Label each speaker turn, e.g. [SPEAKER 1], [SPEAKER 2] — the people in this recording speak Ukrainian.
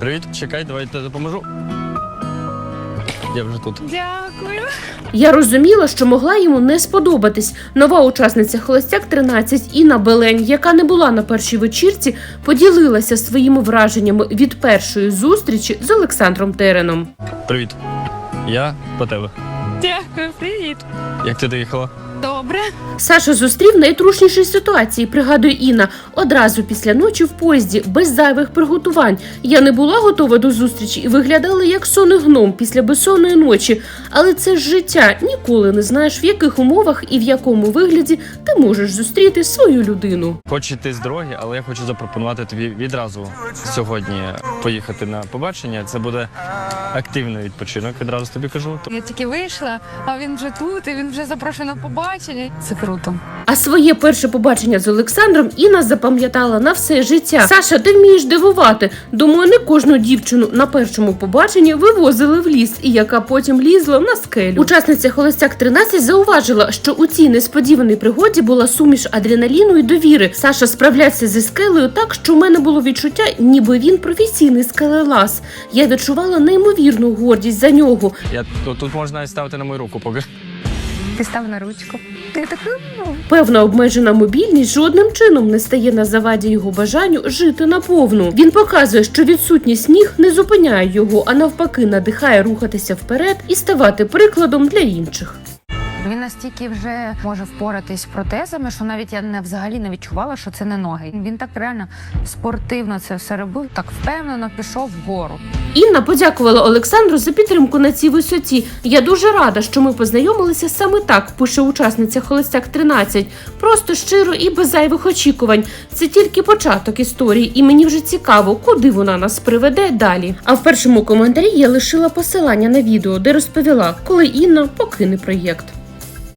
[SPEAKER 1] Привіт, чекай, давай я допоможу. Я вже тут.
[SPEAKER 2] Дякую.
[SPEAKER 3] Я розуміла, що могла йому не сподобатись. Нова учасниця «Холостяк-13» Інна Белень, яка не була на першій вечірці, поділилася своїми враженнями від першої зустрічі з Олександром Тереном.
[SPEAKER 1] Привіт. Я по тебе.
[SPEAKER 2] Дякую, привіт.
[SPEAKER 1] Як ти доїхала?
[SPEAKER 2] Добре.
[SPEAKER 3] Саша зустрів найтрушніші ситуації, пригадує Інна, одразу після ночі в поїзді, без зайвих приготувань. Я не була готова до зустрічі і виглядала як сонний гном після безсонної ночі. Але це ж життя, ніколи не знаєш, в яких умовах і в якому вигляді ти можеш зустріти свою людину.
[SPEAKER 1] Хоч іти з дороги, але я хочу запропонувати тобі відразу сьогодні поїхати на побачення. Це буде активний відпочинок, відразу тобі кажу.
[SPEAKER 2] Я тільки вийшла, а він вже тут, і він вже запрошений на побачення. Це круто.
[SPEAKER 3] А своє перше побачення з Олександром Інна запам'ятала на все життя. Саша, ти вмієш дивувати. Думаю, не кожну дівчину на першому побаченні вивозили в ліс, і яка потім лізла на скелю. Учасниця «Холостяк-13» зауважила, що у цій несподіваній пригоді була суміш адреналіну і довіри. Саша справлявся зі скелею так, що в мене було відчуття, ніби він професійний скелелаз. Я відчувала неймовірну гордість за нього.
[SPEAKER 1] Тут можна навіть ставити на мою руку, поки.
[SPEAKER 2] Ти став на ручку. Ти так,
[SPEAKER 3] Певна обмежена мобільність жодним чином не стає на заваді його бажанню жити наповну. Він показує, що відсутність ніг не зупиняє його, а навпаки надихає рухатися вперед і ставати прикладом для інших.
[SPEAKER 2] Він настільки вже може впоратись з протезами, що навіть я взагалі не відчувала, що це не ноги. Він так реально спортивно це все робив, так впевнено пішов вгору.
[SPEAKER 3] Інна подякувала Олександру за підтримку на цій висоті. Я дуже рада, що ми познайомилися саме так, пише учасниця «Холостяк-13». Просто щиро і без зайвих очікувань. Це тільки початок історії, і мені вже цікаво, куди вона нас приведе далі. А в першому коментарі я лишила посилання на відео, де розповіла, коли Інна покине проєкт.